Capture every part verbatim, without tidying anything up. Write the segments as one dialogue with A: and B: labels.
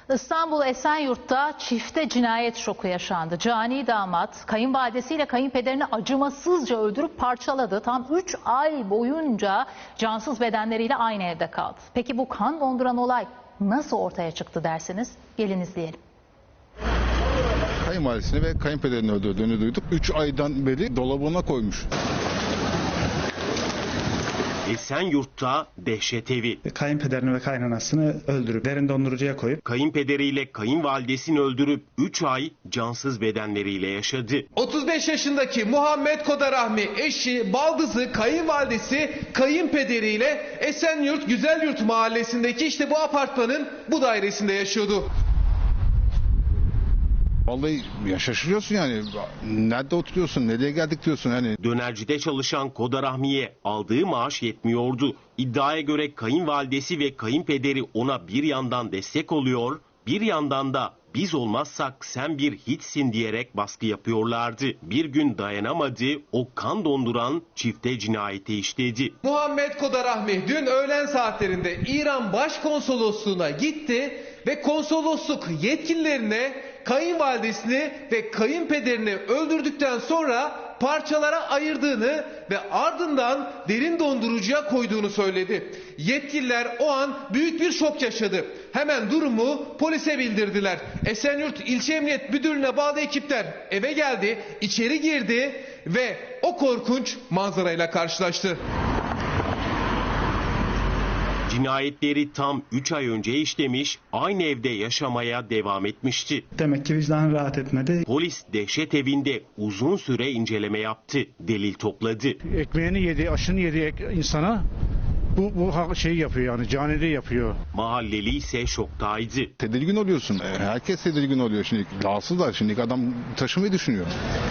A: İstanbul Esenyurt'ta çifte cinayet şoku yaşandı. Cani damat kayınvalidesiyle kayınpederini acımasızca öldürüp parçaladı. Tam üç ay boyunca cansız bedenleriyle aynı evde kaldı. Peki bu kan donduran olay nasıl ortaya çıktı dersiniz? Gelin izleyelim.
B: Kayınvalidesini ve kayınpederini öldürdüğünü duyduk. üç aydan beri dolabına koymuş.
C: Esenyurt'ta dehşet evi.
D: Kayınpederini ve kaynanasını öldürüp derin dondurucuya koyup
C: Kayınpederiyle kayınvalidesini öldürüp üç ay cansız bedenleriyle yaşadı.
E: otuz beş yaşındaki Muhammed Kodarahmi eşi, baldızı, kayınvalidesi, kayınpederiyle Esenyurt Güzelyurt mahallesindeki işte bu apartmanın bu dairesinde yaşıyordu.
B: Vallahi ya şaşırıyorsun yani. Nerede oturuyorsun? Nereye geldik diyorsun hani.
C: Dönercide çalışan Kodarahmi'ye aldığı maaş yetmiyordu. İddiaya göre kayınvalidesi ve kayınpederi ona bir yandan destek oluyor, bir yandan da biz olmazsak sen bir hiçsin diyerek baskı yapıyorlardı. Bir gün dayanamadı, o kan donduran çifte cinayeti işledi.
E: Muhammed Kodarahmi dün öğlen saatlerinde İran Başkonsolosluğu'na gitti ve konsolosluk yetkililerine kayınvalidesini ve kayınpederini öldürdükten sonra parçalara ayırdığını ve ardından derin dondurucuya koyduğunu söyledi. Yetkililer o an büyük bir şok yaşadı. Hemen durumu polise bildirdiler. Esenyurt İlçe Emniyet Müdürlüğü'ne bağlı ekipler eve geldi, içeri girdi ve o korkunç manzarayla karşılaştı.
C: Cinayetleri tam üç ay önce işlemiş, aynı evde yaşamaya devam etmişti.
D: demek ki vicdanı rahat etmedi.
C: Polis dehşet evinde uzun süre inceleme yaptı, delil topladı.
F: Ekmeğini yedi, aşını yedi insana bu, bu şeyi yapıyor yani canili yapıyor.
C: Mahalleli ise şoktaydı.
B: Tedirgin oluyorsun. Herkes tedirgin oluyor şimdi. Rahatsızlar şimdi. Adam taşımayı düşünüyor.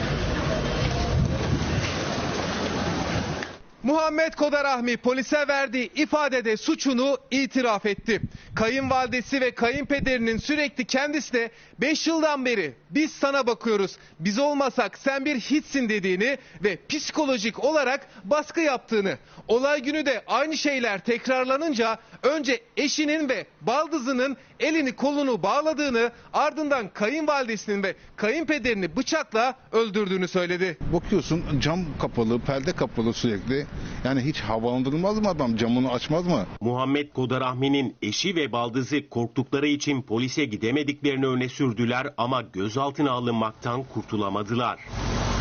E: Muhammed Kodarahmi polise verdiği ifadede suçunu itiraf etti. Kayınvalidesi ve kayınpederinin sürekli kendisine beş yıldan beri biz sana bakıyoruz, biz olmasak sen bir hiçsin dediğini ve psikolojik olarak baskı yaptığını, olay günü de aynı şeyler tekrarlanınca önce eşinin ve baldızının elini kolunu bağladığını, ardından kayınvalidesinin ve kayınpederini bıçakla öldürdüğünü söyledi.
B: Bakıyorsun cam kapalı, perde kapalı sürekli. Yani hiç havalandırılmaz mı adam? Camını açmaz mı?
C: Muhammed Kodarahmi'nin eşi ve baldızı korktukları için polise gidemediklerini öne sürdüler ama gözaltına alınmaktan kurtulamadılar.